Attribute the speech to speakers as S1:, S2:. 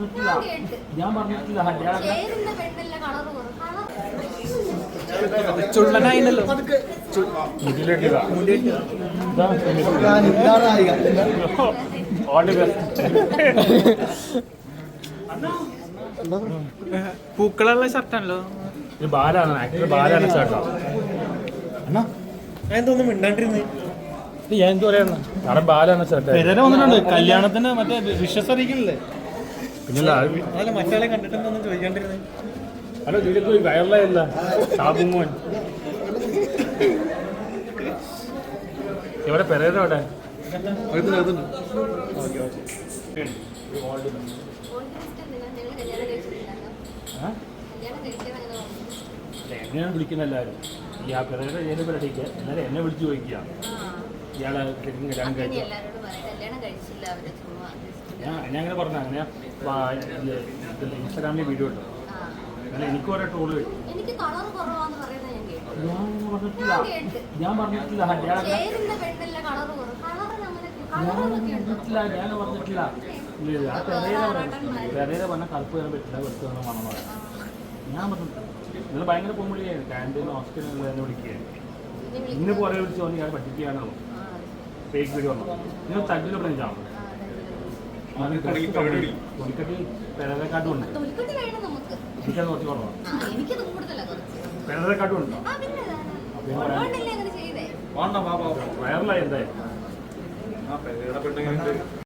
S1: ചുള്ളനായില്ലോ പൂക്കളുള്ള ഷർട്ടാണല്ലോ.
S2: ബാലാണ് actor, ബാലാണ് ഷർട്ടാ.
S1: എന്തൊന്നും മിണ്ടാണ്ടിരുന്നേ.
S2: ഞാൻ എന്ത് പറയാ, കാരണം ബാലാണ് ഷർട്ട്.
S1: വന്നിട്ടുണ്ട് കല്യാണത്തിന് മറ്റേ വിശ്വസ് അറിയിക്കണില്ലേ.
S2: പിന്നെ
S1: അതല്ല മറ്റാളെ കണ്ടിട്ടൊന്നും ചോദിക്കാണ്ടിരുന്നേ.
S2: ഹലോ, ഇതിലേക്ക് വയറുള്ളതല്ല ഷാബുമോൻ. എവിടെ പെരേര അവിടെ? എന്നെയാണ് വിളിക്കുന്ന എല്ലാവരും. ഈ ആ പെരേര ഏത് പരിപാടിക്ക് എന്നാലും എന്നെ വിളിച്ച് ചോദിക്കുക ഇയാളെ കല്യാണം കഴിച്ചു. ഞാൻ അങ്ങനെ പറഞ്ഞു. അങ്ങനെ ഇൻസ്റ്റാഗ്രാമിൽ വീഡിയോ ഇട്ടു. അങ്ങനെ എനിക്ക് ഓരോ ട്രോള് കിട്ടും. ഞാൻ പറഞ്ഞിട്ടില്ല ഞാൻ പറഞ്ഞിട്ടില്ല. ആ പെരേര പറഞ്ഞാൽ കറുപ്പ് വരാൻ പറ്റില്ല, വെറുതെ വന്ന മണം പറയാം. ഞാൻ പറഞ്ഞു നിങ്ങൾ ഭയങ്കര പൊമ്പിളിയായിരുന്നു. ക്യാൻറ്റീൻ ഹോസ്റ്റലിൽ എന്നെ വിളിക്കുകയായിരുന്നു. ഇന്ന് പോലെ വിളിച്ച് വന്ന് ഞാൻ പഠിപ്പിക്കുകയാണോ ഫേക്ക് വീഡിയോ വന്നു. നിങ്ങൾ തട്ടിൽ പറഞ്ഞാണ് തൊലിക്കട്ടി പെരേരക്കാട്ടും ഉണ്ട്. എനിക്കത് കുറച്ച് കുറവാണ്. പെരേരക്കാട്ടും ഉണ്ടോ? വയറിലായി എന്തായാലും